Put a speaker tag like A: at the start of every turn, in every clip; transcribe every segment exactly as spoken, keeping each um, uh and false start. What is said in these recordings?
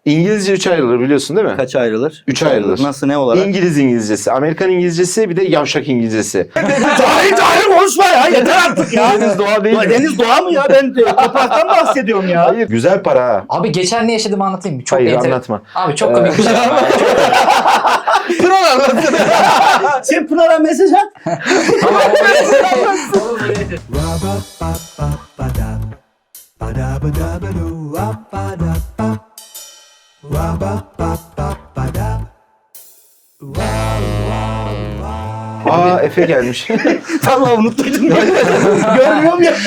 A: İngilizce üç ayrılır biliyorsun değil mi?
B: Kaç ayrılır?
A: Üç ayrılır.
B: Nasıl, ne olarak?
A: İngiliz İngilizcesi, Amerikan İngilizcesi, bir de yavşak İngilizcesi.
B: Cahil cahil konuşma ya, yeter artık ya.
A: Deniz doğa değil mi?
B: Deniz doğa mı ya? Ben topraktan bahsediyorum ya.
A: Hayır. Güzel para ha.
C: Abi geçen ne yaşadığımı anlatayım mı? Çok
A: Hayır
C: enter-
A: anlatma.
C: Abi çok komik bir şey.
A: Pınar anlatsın.
B: Sen Pınar'a mesaj at.
A: Aa Efe gelmiş.
B: Vallahi unuttum. Görmüyorum ya.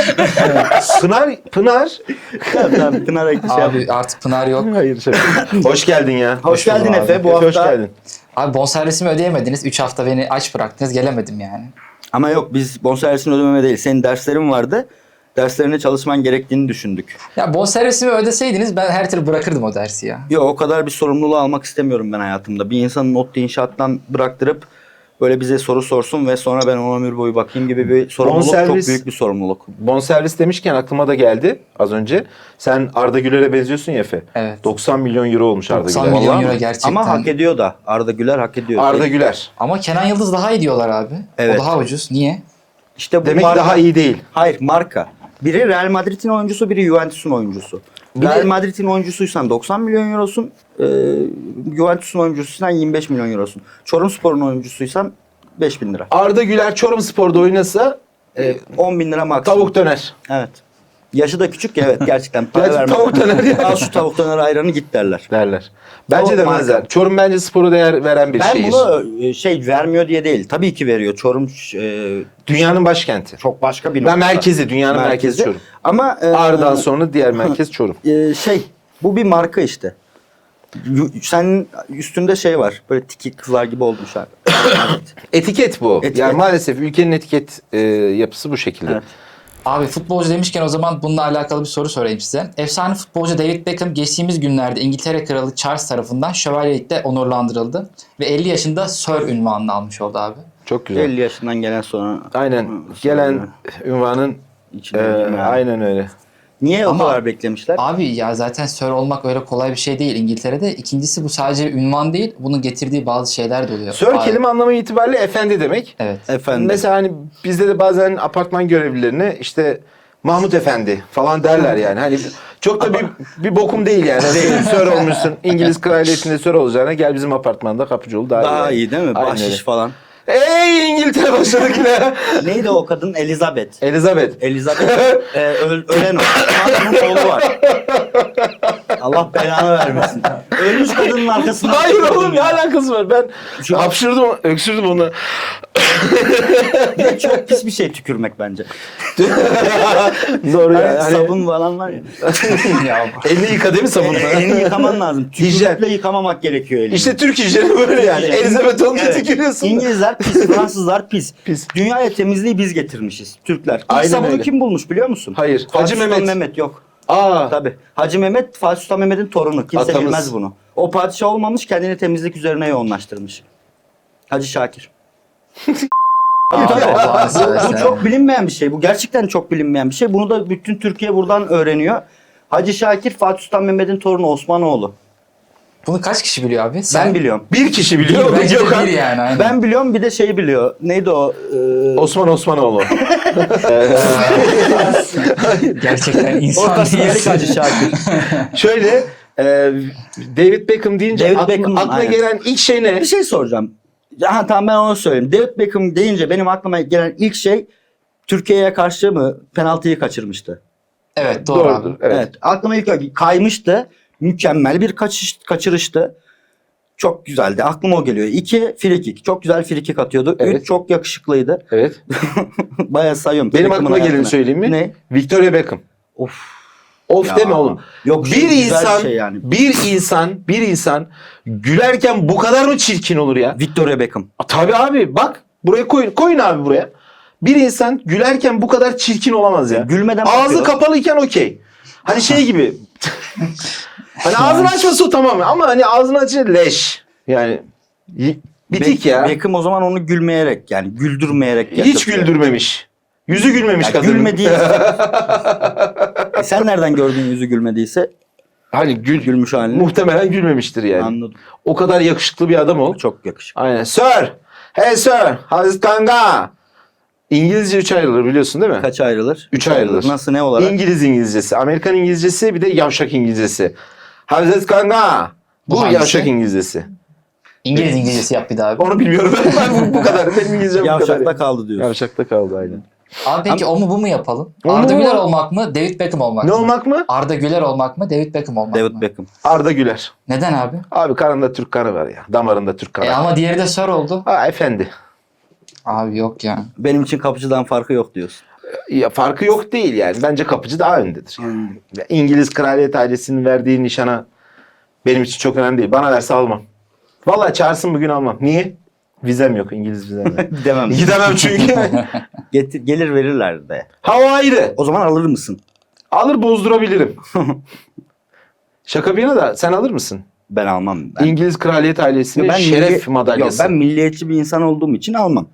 A: Pınar, Pınar.
B: Tamam, Pınar'a şey yap.
C: Abi artık Pınar yok.
A: Hayır şaka. Hoş geldin ya.
B: Hoş geldin
C: buldum
B: Efe.
C: abi.
B: Bu
A: Efe
B: hafta.
A: hoş geldin.
C: Abi bonservisimi ödeyemediniz. üç hafta beni aç bıraktınız. Gelemedim yani.
B: Ama yok, biz bonservisini ödememe değil. Senin derslerin vardı. Derslerine çalışman gerektiğini düşündük.
C: Ya bonservisimi ödeseydiniz ben her türlü bırakırdım o dersi ya.
B: Yok, o kadar bir sorumluluğu almak istemiyorum ben hayatımda. Bir insanın ODTÜ inşaattan bıraktırıp böyle bize soru sorsun ve sonra ben ona ömür boyu bakayım gibi bir sorumluluk,
A: Bonservis-
B: çok büyük bir sorumluluk.
A: Bonservis demişken aklıma da geldi az önce. Sen Arda Güler'e benziyorsun ya Efe.
C: Evet.
A: doksan milyon euro olmuş Arda
C: doksan
A: Güler.
C: milyon
A: Vallahi
C: euro
A: mi?
C: gerçekten.
B: Ama hak ediyor da. Arda Güler hak ediyor.
A: Arda Güler.
C: Ama Kenan Yıldız daha iyi diyorlar abi.
B: Evet.
C: O daha ucuz. Niye?
B: İşte bu
A: Demek ki
B: marka-
A: daha iyi değil.
B: Hayır, marka. Biri Real Madrid'in oyuncusu, biri Juventus'un oyuncusu.
A: Bir
B: Real
A: de-
B: Madrid'in oyuncusuysan doksan milyon eurosun, e, Juventus'un oyuncusuysan yirmi beş milyon eurosun. Çorumspor'un oyuncusuysan beş bin lira.
A: Arda Güler Çorumspor'da oynasa
B: E, on bin lira maksimum.
A: tavuk döner.
B: Evet. Yaşı da küçük ya, evet, gerçekten para
A: Gerçi
B: vermez.
A: tavuk döner ya.
B: Al şu tavuk döner ayranı git derler.
A: Derler. Bence
B: Tavuk
A: demezler.
B: marka.
A: Çorum bence spora değer veren bir
B: Ben
A: şehir.
B: bunu e, şey vermiyor diye değil. Tabii ki veriyor. Çorum e,
A: Dünyanın başkenti.
B: çok başka bir
A: Ben
B: nokta.
A: merkezi, dünyanın merkezi Çorum.
B: Ama e,
A: Ağrı'dan sonra diğer merkez Çorum.
B: e, şey, bu bir marka işte. Yu- Senin üstünde şey var. Böyle tiki kızlar gibi olmuş abi. Evet.
A: Etiket bu.
B: Etiket.
A: Yani maalesef ülkenin etiket e, yapısı bu şekilde.
B: Evet.
C: Abi futbolcu demişken o zaman bununla alakalı bir soru sorayım size. Efsane futbolcu David Beckham geçtiğimiz günlerde İngiltere Kralı Charles tarafından şövalyelikle onurlandırıldı. Ve elli yaşında Sir ünvanını almış oldu abi.
A: Çok güzel.
B: elli yaşından gelen sonra.
A: Aynen.
B: Hı,
A: Gelen ünvanın
B: İçine
A: e,
B: girme abi.
A: aynen öyle.
B: Niye
C: Ama-
B: o kadar beklemişler?
C: Abi ya zaten Sir olmak öyle kolay bir şey değil İngiltere'de. İkincisi bu sadece ünvan değil. Bunun getirdiği bazı şeyler de oluyor.
A: Sir
C: Abi,
A: kelime anlamı itibariyle efendi demek.
C: Evet.
B: Efendim.
A: Mesela hani bizde de bazen apartman görevlilerine işte Mahmut Efendi falan derler yani. Hani çok da bir, bir bokum değil yani. Değil. Sir olmuşsun. İngiliz kraliyetinde Sir olacağına gel bizim apartmanda kapıcı ol daha,
B: Daha
A: iyi.
B: iyi değil mi?
A: Aynen
B: Bahşiş
A: öyle.
B: falan.
A: Ey İngiltere başladık yine.
B: Neydi o kadın? Elizabeth.
A: Elizabeth.
B: Elizabeth e, öl, ölen o. Onun oğlu var. Allah belanı vermesin. Ölmüş kadının arkasında.
A: Hayır oğlum ne alakası var? Ben
B: Şu-
A: hapşırdım, öksürdüm onu.
B: Bir de çok pis bir şey tükürmek bence.
A: Doğru
B: Hani
A: yani. Hani
B: sabun falan var ya.
C: ya,
A: elini yıka değil mi sabunla?
B: E, elini yıkaman lazım.
A: Hijyen.
B: Tükürükle yıkamamak gerekiyor elini.
A: İşte Türk hijyeni böyle yani.
B: Hijyen.
A: Elizabeth olunca
B: Evet.
A: tükürüyorsun.
B: İngilizler pis, Fransızlar pis.
A: Pis.
B: Dünyaya temizliği biz getirmişiz. Türkler. İlk
A: Aynen
B: sabunu
A: öyle.
B: kim bulmuş biliyor musun?
A: Hayır.
B: Fatih
A: Hacı
B: Sultan
A: Mehmet.
B: Mehmet yok.
A: Aa.
B: Tabii. Hacı Mehmet, Fatih Sultan Mehmet'in torunu. Kimse
A: Atamız.
B: bilmez bunu. O padişah olmamış, kendini temizlik üzerine yoğunlaştırmış. Hacı Şakir.
C: Abi,
B: Tabii.
C: Allah'ını
B: Bu,
C: seversen.
B: bu çok bilinmeyen bir şey. Bu gerçekten çok bilinmeyen bir şey. Bunu da bütün Türkiye buradan öğreniyor. Hacı Şakir, Fatih Sultan Mehmet'in torunu Osmanoğlu.
C: Bunu kaç kişi biliyor abi?
B: Ben biliyorum.
A: Bir kişi biliyor. o da
C: Bence de
A: Gökhan.
C: bir yani. Aynen.
B: Ben biliyorum, bir de şeyi biliyor. Neydi o? Ee,
A: Osman Osmanoğlu.
C: Gerçekten insan
B: Ortası yedik
C: değilsin.
B: Hacı Şakir.
A: Şöyle e, David Beckham deyince
B: David
A: aklı-
B: Beckham,
A: aklına
B: aynen.
A: gelen ilk şey ne?
B: Bir şey soracağım. Ha, tamam, ben onu söyleyeyim. David Beckham deyince benim aklıma gelen ilk şey Türkiye'ye karşı mı penaltıyı kaçırmıştı?
C: Evet doğru
A: Doğrudur.
C: abi.
A: Evet.
B: Evet. Aklıma ilk o- kaymıştı. Mükemmel bir kaçış, kaçırıştı. Çok güzeldi. Aklıma o geliyor. İki, frikik. Çok güzel frikik atıyordu.
A: Evet.
B: Üç, çok yakışıklıydı.
A: Evet.
B: Bayağı sayıyorum.
A: Benim
B: Beckham'ın
A: aklıma geleni
B: hayatını.
A: söyleyeyim mi?
B: Ne?
A: Victoria Beckham.
B: Of.
A: Of
B: Ya.
A: deme oğlum.
B: Yok,
A: Bir
B: güzel
A: insan,
B: şey yani.
A: bir insan, bir insan gülerken bu kadar mı çirkin olur ya?
B: Victoria Beckham.
A: A, tabii abi bak buraya koyun, koyun abi buraya. Bir insan gülerken bu kadar çirkin olamaz ya.
B: Gülmeden
A: Ağzı
B: bakıyor.
A: kapalıyken okey. Hani şey gibi. Hani ağzını açması o tamam ama hani ağzını açınca leş. Yani y- bitik
B: Be-
A: ya.
B: Beckham o zaman onu gülmeyerek, yani güldürmeyerek
A: Hiç
B: yaşatıyor.
A: güldürmemiş. Yüzü gülmemiş
B: Ya
A: kadının.
B: gülmediği. E sen nereden gördün yüzü gülmediyse?
A: Hani gül,
B: Gülmüş halini.
A: muhtemelen gülmemiştir yani.
B: Anladım.
A: O kadar yakışıklı bir adam ol.
B: Çok yakışıklı.
A: Aynen. Sir. Hey sir. How's kanga? İngilizce üç ayrılır biliyorsun değil mi?
B: Kaç ayrılır?
A: Üç ayrılır.
B: Nasıl, ne olarak?
A: İngiliz İngilizcesi, Amerikan İngilizcesi, bir de yavşak İngilizcesi. How's it kanga?
C: Bu
A: Bu
C: hangisi?
A: yavşak İngilizcesi.
C: İngiliz İngilizcesi yap bir daha abi.
A: Onu bilmiyorum. Ben bu, bu kadar. Benim İngilizcem bu kadar.
B: Yavşakta kaldı diyorsun.
A: Yavşakta kaldı aynen.
C: Abi peki o mu bu mu yapalım?
A: O
C: Arda
A: mu?
C: Güler olmak mı? David Beckham olmak
A: Ne
C: mı?
A: olmak mı?
C: Arda Güler olmak mı? David Beckham olmak
B: David
C: mı?
B: Beckham.
A: Arda Güler.
C: Neden abi?
A: Abi kanında Türk kanı var ya. Damarında Türk kanı.
C: E ama diğeri de Sir oldu.
A: Ha efendi.
C: Abi yok ya.
B: Benim için kapıcıdan farkı yok diyorsun.
A: Ya farkı yok değil yani. Bence kapıcı daha öndedir.
B: Hmm.
A: Ya İngiliz kraliyet ailesinin verdiği nişana benim için çok önemli değil. Bana verse almam. Vallahi çağırsın bugün almam. Niye? Vizem yok. İngiliz vizem yok.
B: Demem.
A: Gidemem çünkü.
B: Getir, gelir verirler de.
A: Ha o ayrı.
B: O zaman alır mısın?
A: Alır bozdurabilirim. Şaka bir yana da sen alır mısın?
B: Ben almam. Ben,
A: İngiliz kraliyet ailesinin şeref
B: milli-
A: madalyası.
B: Yok, ben milliyetçi bir insan olduğum için almam.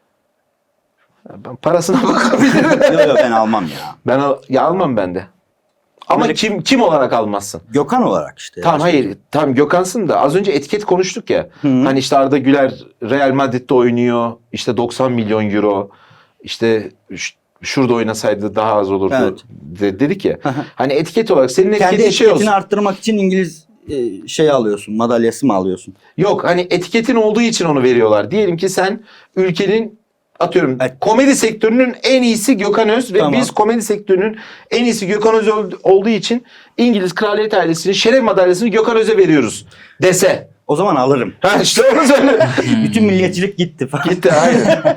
A: Ben parasına bakabilirim.
B: yok yok ben almam ya.
A: Ben al, ya almam ben de. Ama
B: Böyle-
A: kim kim olarak almazsın?
B: Gökhan olarak işte.
A: Tamam
B: ya.
A: hayır. Tamam Gökhan'sın da az önce etiket konuştuk ya.
B: Hı hı.
A: Hani işte Arda Güler Real Madrid'de oynuyor. İşte doksan milyon euro. İşte ş- şurada oynasaydı daha az olurdu.
B: Evet.
A: De- dedik ya. hani etiket olarak senin
B: Kendi
A: etiketin şey
B: etiketini
A: olsun.
B: arttırmak için İngiliz e, şey alıyorsun. Madalyası mı alıyorsun?
A: Yok hani etiketin olduğu için onu veriyorlar. Diyelim ki sen ülkenin atıyorum
B: Evet.
A: komedi sektörünün en iyisi Gökhan Öz ve
B: Tamam.
A: biz komedi sektörünün en iyisi Gökhan Öz ol- olduğu için İngiliz kraliyet ailesinin şeref madalyasını Gökhan Öz'e veriyoruz dese.
B: O zaman alırım.
A: Ha işte onu söyle.
B: Bütün milliyetçilik gitti falan.
A: Gitti aynen.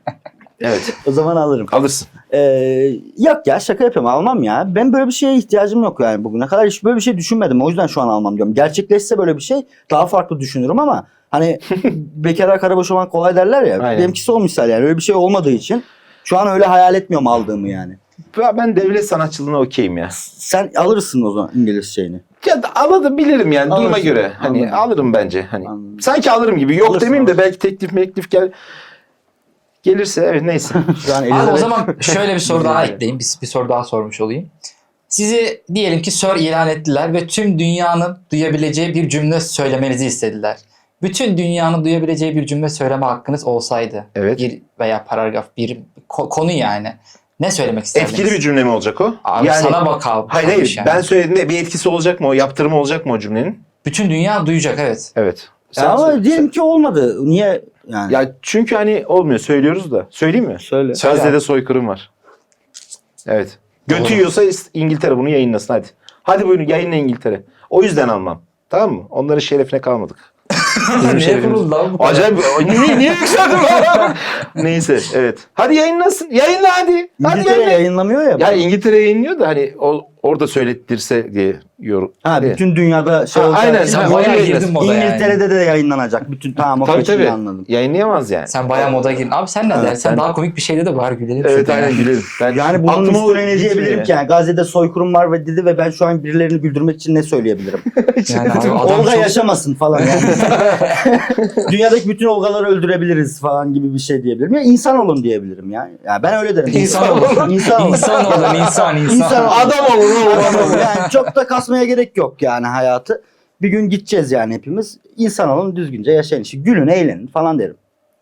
A: Evet
B: O zaman alırım.
A: alırsın.
B: Ee, yok ya şaka yapıyorum almam ya. Ben böyle bir şeye ihtiyacım yok yani bugüne kadar hiç böyle bir şey düşünmedim. O yüzden şu an almam diyorum. Gerçekleşse böyle bir şey daha farklı düşünürüm ama hani bekara karaboş olmak kolay derler ya.
A: Aynen.
B: Benimkisi o misal yani öyle bir şey olmadığı için şu an öyle hayal etmiyorum aldığımı yani.
A: Ya Ben devlet sanatçılığına okeyim ya.
B: Sen alırsın o zaman İngiliz şeyini.
A: Ya da alabilirim yani duruma
B: Alırsın.
A: göre. Hani
B: Anladım.
A: alırım bence. Hani
B: Anladım.
A: sanki alırım gibi. Yok
B: Alırsın,
A: demeyeyim de
B: alırsın.
A: belki teklif meklif gel gelirse evet neyse.
B: Şu an
C: Abi o
B: Elizabeth-
C: zaman şöyle bir soru daha
A: Yani.
C: ekleyeyim. Bir, bir soru daha sormuş olayım. Sizi diyelim ki Sir ilan ettiler ve tüm dünyanın duyabileceği bir cümle söylemenizi istediler. Bütün dünyanın duyabileceği bir cümle söyleme hakkınız olsaydı.
A: Evet.
C: Bir veya paragraf bir ko- konu yani. Ne söylemek isterdiniz?
A: Etkili bir cümle mi olacak o?
C: Abi sana bak abi.
A: Hayır
C: kalmış
A: hayır.
C: yani.
A: Ben söylediğimde bir etkisi olacak mı o? Yaptırımı olacak mı o cümlenin?
C: Bütün dünya duyacak evet.
A: Evet.
B: Ya ama
A: söyle-
B: diyelim ki olmadı. Niye yani?
A: Ya çünkü hani olmuyor. Söylüyoruz da. Söyleyeyim mi?
B: Söyle.
C: Söyle.
A: Gazze'de soykırım var. Evet. Götü
C: Doğru.
A: yiyorsa İngiltere bunu yayınlasın hadi. Hadi buyurun yayınla İngiltere. O yüzden almam. Tamam mı? Onların şerefine kalmadık. Bizim
C: Niye
A: şerefimiz.
C: kuruldu lan bu kadar?
A: Acayip. Niye, niye yükseldin lan? Neyse evet. Hadi yayınlasın. Yayınla hadi. Hadi
B: İngiltere
A: yayınla.
B: yayınlamıyor ya.
A: Ya İngiltere yayınlıyor da hani o, orada söylettirse diye yorum.
B: ha
A: diye.
B: bütün dünyada şey
A: Ha,
B: olacak.
A: aynen.
C: Sen
A: Ha,
C: bayağı
A: onu
C: girdin
A: yayınlasın.
C: moda yani.
B: İngiltere'de de yayınlanacak. Bütün tamam o
A: Tabii
B: kaçını
A: tabii.
B: anladım.
A: Yayınlayamaz yani.
C: Sen bayağı moda girdin. Abi sen ne
A: Evet,
C: dersen
A: ben-
C: daha komik bir şeyde de var gülelim.
A: Evet
C: şurada
A: aynen
C: yani.
A: gülerim. Ben
B: Yani bunun
A: aklıma o
B: üstüne ne
A: gitmiyor
B: diyebilirim
A: ya.
B: ki? Yani Gazze'de soykırım var ve dedi ve ben şu an birilerini güldürmek için ne söyleyebilirim?
C: Yani abi adam
B: Olga
C: çok-
B: yaşamasın falan yani. Dünyadaki bütün Olgaları öldürebiliriz falan gibi bir şey diyebilirim. Ya insan olun diyebilirim ya. Ya ben öyle derim.
C: İnsan olun.
B: İnsan olun.
C: İnsan olun insan insan.
B: İnsan olun.
A: Adam olun oğlum.
B: Adam olun. Yani çok da kasmaya gerek yok yani hayatı. Bir gün gideceğiz yani hepimiz. İnsan olun düzgünce yaşayın. İşte gülün eğlenin falan derim.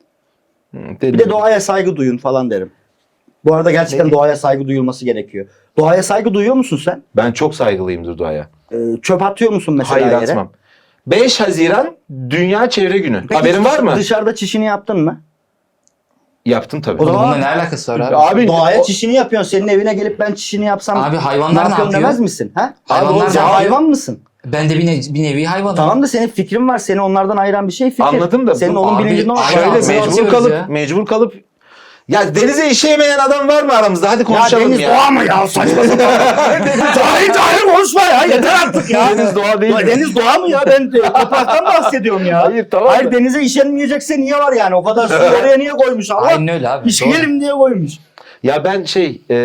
B: Bir de doğaya saygı duyun falan derim. Bu arada gerçekten
A: Ne?
B: doğaya saygı duyulması gerekiyor. Doğaya saygı duyuyor musun sen?
A: Ben çok saygılıyımdır doğaya.
B: Ee, çöp atıyor musun mesela
A: Hayır
B: yere?
A: atmam. beş Haziran Dünya Çevre Günü.
B: Peki
A: Haberin var mı?
B: Dışarıda çişini yaptın mı?
A: Yaptım tabii.
B: O zaman-
C: Bununla ne alakası var abi?
A: Abi
B: Doğaya
A: o-
B: çişini yapıyorsun. Senin evine gelip ben çişini yapsam
C: Abi
B: ne
C: hayvanlar ne
B: yapıyorsun
C: yapıyor?
B: demez misin? Ha?
C: Hayvanlar
B: Abi,
C: ne
B: sen
C: yapıyor?
B: hayvan mısın?
C: Ben de bir, ne- bir nevi hayvanım.
B: Tamam da senin fikrin var. Seni onlardan ayıran bir şey fikir.
A: Anladım da
B: Senin
A: bu-
B: onun
C: abi-
B: bilincinde var.
A: şöyle
C: Hayvan
A: mecbur
C: atıyoruz
A: kalıp
C: ya.
A: mecbur kalıp ya denize işeyemeyen adam var mı aramızda? Hadi
B: Ya
A: konuşalım
B: deniz
A: ya.
B: doğa mı ya? Saçma sapan. Cahil cahil konuşma ya. Yeter artık ya.
A: Deniz doğa değil
B: Ya
A: mi?
B: deniz doğa mı ya? Ben de topraktan bahsediyorum ya.
A: Hayır, tamam
B: Hayır
A: da-
B: denize işenmeyecekse niye var yani? O kadar suyu oraya niye koymuş Allah?
C: Aynen öyle abi. Doğru.
B: İşeyelim diye koymuş.
A: Ya ben şey e,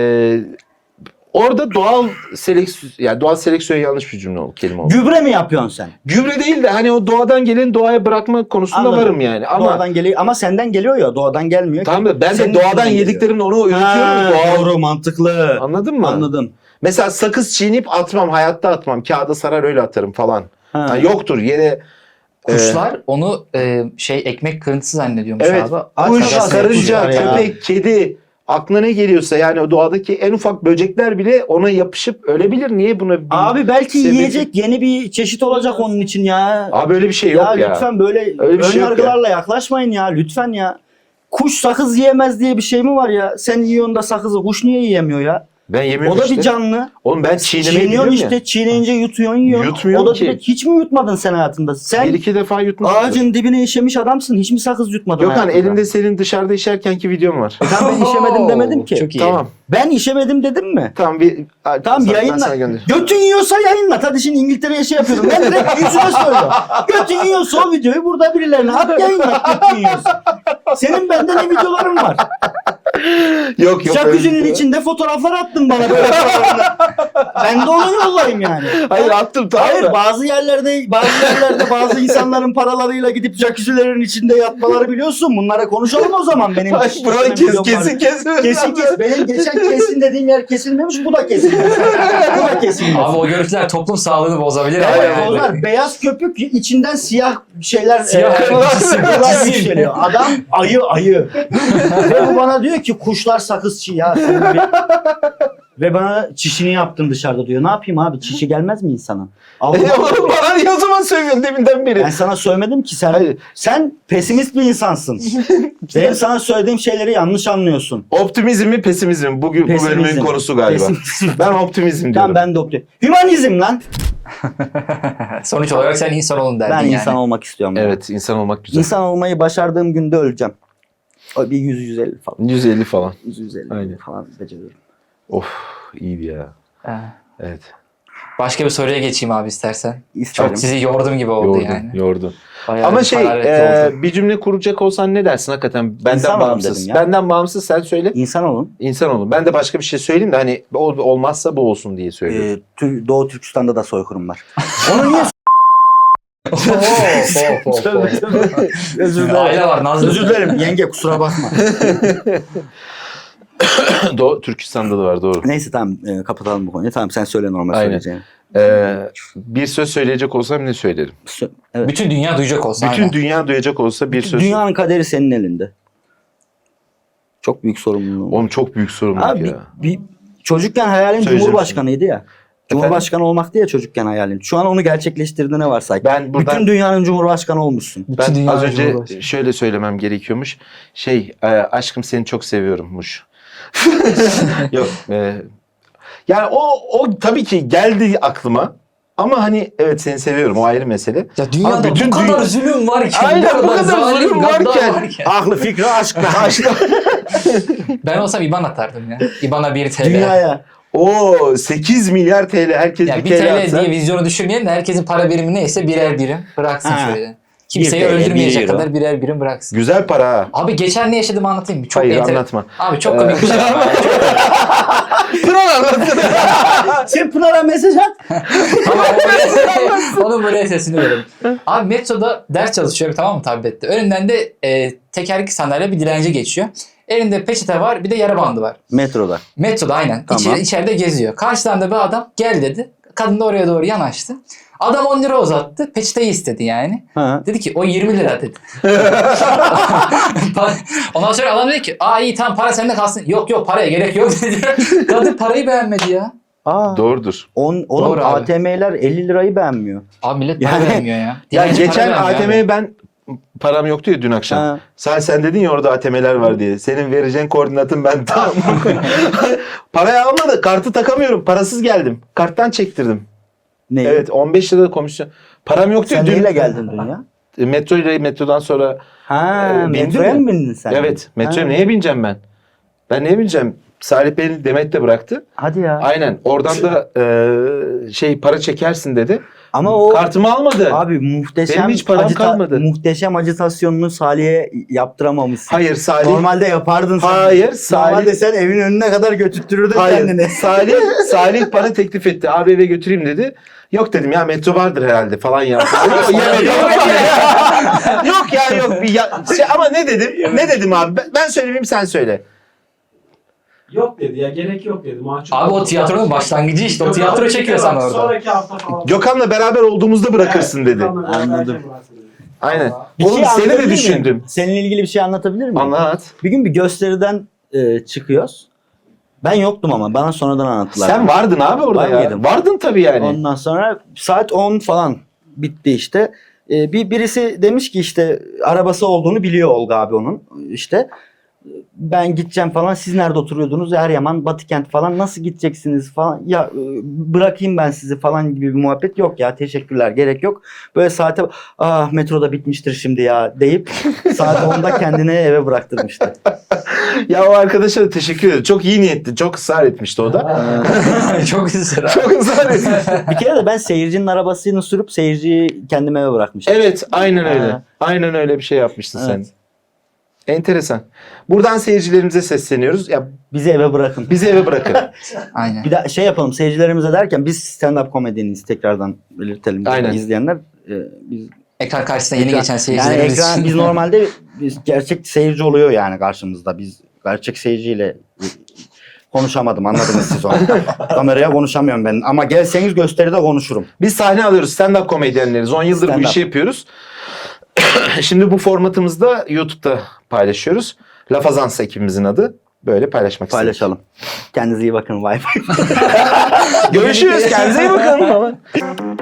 A: orada doğal seleksiyon yani doğal seleksiyon yanlış bir cümle oldu, kelime oldu.
B: Gübre mi yapıyorsun sen?
A: Gübre değil de hani o doğadan gelen doğaya bırakma konusunda
B: Anladım.
A: varım yani. Ama
B: Doğadan geliyor ama senden geliyor ya doğadan gelmiyor. ki.
A: tamam da ben de
B: Senin
A: doğadan
B: içinden geliyor.
A: yediklerimle onu üretiyorum.
B: Ha,
A: Doğal.
B: doğru mantıklı.
A: Anladın mı?
B: Anladım.
A: Mesela sakız çiğneyip atmam. Hayatta atmam. Kağıda sarar öyle atarım falan.
B: Ha.
A: Ha, yoktur yere.
C: Kuşlar onu e, şey ekmek kırıntısı zannediyormuş
A: Evet.
C: abi.
A: Kuş,
B: Arkadaşlar,
A: karınca,
B: kuşlar ya.
A: köpek, kedi aklına ne geliyorsa yani o doğadaki en ufak böcekler bile ona yapışıp ölebilir. Niye buna bir...
B: Abi belki
A: sebebi-
B: yiyecek yeni bir çeşit olacak onun için ya.
A: Abi öyle bir şey yok
B: ya,
A: ya.
B: lütfen böyle
A: Öyle bir
B: ön
A: şey yok
B: yargılarla yaklaşmayın ya lütfen ya. Kuş sakız yiyemez diye bir şey mi var ya? Sen yiyorsun da sakızı kuş niye yiyemiyor ya?
A: Ben yemiyorum
B: O da
A: işte.
B: bir canlı.
A: Oğlum ben çiğnemeyi
B: Çiğniyorsun
A: biliyorum
B: işte
A: ya.
B: çiğneyince yutuyorsun yiyorsun.
A: Yutmuyorum
B: O da
A: ki.
B: direkt hiç mi yutmadın sen hayatında? Sen
A: Bir iki defa yutmuşum.
B: ağacın dibine işemiş adamsın. Hiç mi sakız yutmadın
A: Gökhan
B: hayatında?
A: elinde senin dışarıda işerkenki videom var.
B: E tamam ben işemedim demedim ki.
C: Çok iyi.
A: Tamam.
B: Ben işemedim dedim mi?
A: Tamam bir
B: Tamam
A: sana- ben
B: yayınla.
A: sana gönder.
B: Götün yiyorsa yayınlat. Hadi şimdi İngiltere'ye şey yapıyordum. Ben direkt yüzüne söylüyorum. Götün yiyorsa o videoyu burada birilerine at yayınlat götün yiyorsa. Senin bende ne videoların var?
A: Yok yok. öyle
B: Jacuzzi'nin
A: bir-
B: içinde fotoğraflar attın bana böyle fotoğraflar. Ben de onu yollayayım yani.
A: Hayır attım tamam
B: Hayır
A: da.
B: bazı yerlerde bazı yerlerde bazı insanların paralarıyla gidip jacuzzilerin içinde yatmaları biliyorsun. Bunlara konuşalım o zaman benim.
A: Ay, buraları kes,
B: videom var.
A: kesin kesin.
B: Kesin kes. Benim geçen kesin dediğim yer kesilmemiş. Bu da kesilmemiş. Bu da kesilmemiş.
C: Abi o görüntüler toplum sağlığını bozabilir ama
B: Evet,
C: yani.
B: onlar beyaz köpük içinden siyah şeyler
C: Siyah
B: e,
C: kırmızı,
B: kırmızılar
C: cisim.
B: yükseliyor. Adam ayı ayı. Ve bu bana diyor ki kuşlar sakız çiğ ya. senin bir- Ve bana çişini yaptın dışarıda diyor. Ne yapayım abi çişi gelmez mi insana?
A: E,
B: Allah
A: oğlum bana niye o zaman söylüyorsun deminden beri?
B: ben sana söylemedim ki sen
A: Hayır.
B: sen pesimist bir insansın. Benim sana söylediğim şeyleri yanlış anlıyorsun.
A: Optimizm mi pesimizm mi? Bugün bu
B: Pesimizm.
A: bölümün konusu galiba.
B: Pesimizm.
A: Ben optimizm diyorum.
B: Tamam ben de optim. Hümanizm lan.
C: Sonuç olarak sen insan olun derdin
B: Ben
C: yani.
B: insan olmak istiyorum.
A: Evet insan olmak güzel.
B: İnsan olmayı başardığım günde öleceğim. O bir yüz yüz elli falan.
A: yüz elli falan.
B: yüz yüz elli
A: Aynen.
B: falan beceriyorum.
A: Of iyiydi ya.
C: Ha.
A: Evet.
C: Başka bir soruya geçeyim abi istersen.
B: İsterim.
C: Çok sizi yordum gibi oldu
A: Yordu.
C: yani.
A: Yordu.
C: Bayağı
A: Ama
C: bir
A: şey
C: hararetli
A: e,
C: oldu.
A: bir cümle kuracak olsan ne dersin hakikaten? Benden
B: İnsan olun
A: bağımsız.
B: dedim ya.
A: Benden bağımsız sen söyle.
B: İnsan olun.
A: İnsan olun. Ben de başka bir şey söyleyeyim de hani ol- olmazsa bu olsun diye söylüyorum.
B: Ee, Tür- Doğu Türkistan'da da soykırım var. Onu niye
C: Of, of, of,
B: Tövbe,
C: of.
B: tövbe. Özür dilerim.
C: Aile var Nazlı.
B: Özür dilerim yenge kusura bakma.
A: Doğu Türkistan'da da var doğru.
B: Neyse tamam e, kapatalım bu konuyu. Tamam sen söyle normal
A: Aynen.
B: söyleyeceğini.
A: Ee, bir söz söyleyecek olsam ne söylerim?
B: Sö- Evet.
C: Bütün dünya duyacak olsa.
A: Bütün
C: aynen.
A: dünya duyacak olsa bir söz.
B: Dünyanın kaderi senin elinde. Çok büyük sorumluluğun. var.
A: Oğlum çok büyük sorumluluk
B: Abi
A: ya.
B: bir, bir, çocukken hayalin
A: Söyleyeceğim
B: Cumhurbaşkanıydı ya. Cumhurbaşkanı olmaktı ya çocukken hayalin. Şu an onu gerçekleştirdiğine varsay.
A: Ben buradan
B: Bütün dünyanın Cumhurbaşkanı olmuşsun.
C: Bütün
A: ben
C: dünya
A: az önce
C: Cumhurbaşkanı.
A: şöyle söylemem gerekiyormuş. Şey e, aşkım seni çok seviyorummuş. Yok. e, yani o o tabii ki geldi aklıma. Ama hani evet seni seviyorum o ayrı mesele.
C: Ya dünyada
A: Ama bütün
C: bu kadar
A: dünya-
C: zulüm varken,
A: Aynen, bu kadar
C: zalim
A: zulüm
C: gaddar
A: varken.
B: Aklı fikri aşkla.
C: Ben olsam İban atardım ya. İban'a bir T L.
B: Dünyaya.
A: O sekiz milyar T L herkes
C: Yani
A: bir
C: bir
A: T L
C: T L
A: atsa.
C: diye vizyonu düşürmeyelim de herkesin para birimi neyse birer birim bıraksın
B: Ha.
C: şöyle. Kimseyi
B: Bir T L,
C: öldürmeyecek
B: bir euro.
C: kadar birer birim bıraksın.
A: Güzel para ha.
C: Abi geçen ne yaşadığımı anlatayım mı? Çok
A: Hayır
C: enter-
A: anlatma.
C: Abi çok komik bir şey ama.
A: Pınar anlatsın.
B: Sen Pınar'a mesaj at.
C: Ama o böyle- onun böyle sesini verelim. Abi metroda ders çalışıyorum tamam mı tablette. Önünden de e, tekerlekli sandalye bir dilenci geçiyor. Elinde peçete var bir de yara bandı var.
B: Metroda.
C: Metroda aynen.
B: Tamam.
C: İçeri, içeride geziyor. Karşıdan da bir adam gel dedi. Kadın da oraya doğru yanaştı. Adam on lira uzattı. Peçeteyi istedi yani.
B: Ha.
C: Dedi ki o yirmi lira dedi. Ondan sonra adam dedi ki aa iyi tamam para sende kalsın. Yok yok paraya gerek yok dedi. Kadın parayı beğenmedi ya.
B: Aa.
A: Doğrudur.
B: On, oğlum
C: Doğru abi.
B: A T M'ler elli lirayı beğenmiyor.
C: Abi millet para
B: Yani-
C: vermiyor ya.
A: Ya
C: Dilenci
A: geçen
C: para vermiyor
A: A T M'ye ben param yoktu ya dün akşam.
B: Ha.
A: Sen sen dedin ya orada A T M'ler var diye. Senin vereceğin koordinatın ben tam. Parayı almadı. Kartı takamıyorum. Parasız geldim. Karttan çektirdim.
B: Ne?
A: Evet on beş lira komisyon. Param yoktu ya
B: Sen
A: dün.
B: neyle geldin dün ya?
A: E, Metro ile metrodan sonra.
B: Ha,
A: Ee, bindin
B: metroya
A: mi?
B: mı bindin sen?
A: Evet. Metroya
B: Ha.
A: neye bineceğim ben? Ben neye bineceğim? Salih beni Demet de bıraktı.
B: Hadi ya.
A: Aynen. Oradan da e, şey para çekersin dedi.
B: Ama o
A: Kartımı almadı.
B: abi muhteşem
A: Benim hiç param kalmadı.
B: muhteşem acitasyonunu Salih'e yaptıramamışsın.
A: Hayır Salih.
B: Normalde yapardın sen.
A: Hayır, Salih-
B: Normalde sen evin önüne kadar götürtürdün
A: Hayır.
B: kendini.
A: Salih, Salih bana teklif etti. Abi eve götüreyim dedi. Yok dedim ya metro vardır herhalde falan yaptı. Yok, yemedim. Yok ya yok. Bir ya, şey, ama ne dedim? Ne dedim abi? Ben, ben söylemeyeyim sen söyle.
D: Yok dedi ya, gerek yok dedi. Mahcup
C: Abi o
D: oldum.
C: tiyatronun başlangıcı işte. O
D: Yok,
C: tiyatro
D: abi,
C: çekiyorsan
D: bak,
C: orada.
D: Sonraki hafta falan.
A: Gökhan'la beraber olduğumuzda bırakırsın dedi.
D: Gökhan'la beraber
B: Anladım.
D: bırakırsın dedi.
A: Aynen.
D: Vallahi.
B: Bir
A: Oğlum
B: şey
A: seni de
B: anlatabilir miyim?
A: düşündüm.
B: Seninle ilgili bir şey anlatabilir miyim?
A: Anlat.
B: Bir gün bir gösteriden e, çıkıyoruz. Ben yoktum ama bana sonradan anlattılar.
A: Sen vardın abi orada
B: Var
A: ya.
B: mıydım?
A: Vardın tabii yani.
B: Ondan sonra saat on falan bitti işte. Ee, bir birisi demiş ki işte arabası olduğunu biliyor Olga abi onun. İşte ben gideceğim falan. Siz nerede oturuyordunuz? Eryaman, Batıkent falan. Nasıl gideceksiniz falan. Ya e, bırakayım ben sizi falan gibi bir muhabbet yok ya. Teşekkürler. Gerek yok. Böyle saate ah metroda bitmiştir şimdi ya deyip saat onda kendini eve bıraktırmıştı.
A: Ya o arkadaşa da teşekkür ederim. Çok iyi niyetli. Çok ısrar etmişti o da.
C: Çok güzel abi.
A: Çok ısrar etmişti.
B: Bir kere de ben seyircinin arabasını sürüp seyirciyi kendime eve bırakmıştım.
A: Evet, aynen öyle.
B: Ha.
A: Aynen öyle bir şey yapmıştın
B: Evet.
A: sen. Enteresan. Buradan seyircilerimize sesleniyoruz. Ya
B: Bizi eve bırakın.
A: bizi eve bırakın.
C: Aynen.
B: Bir de şey yapalım seyircilerimize derken biz stand-up komedyeniz tekrardan belirtelim.
A: Aynen.
B: izleyenler. Ee, biz
C: Ekran karşısına yeni
B: ekran-
C: geçen
B: yani
C: seyircilerimiz
B: ekran,
C: için.
B: biz normalde biz gerçek seyirci oluyor yani karşımızda. Biz gerçek seyirciyle konuşamadım, anladınız siz onu. Kameraya konuşamıyorum ben ama gelseniz gösteride konuşurum.
A: Biz sahne alıyoruz. Stand-up komedyenleriz. on yıldır bu
B: Stand-up.
A: işi yapıyoruz. Şimdi bu formatımızı da YouTube'da paylaşıyoruz. Lafazans ekibimizin adı. Böyle paylaşmak istedim.
B: Paylaşalım. Kendinize iyi bakın. Bye bye.
A: Görüşürüz. Kendinize iyi bakın.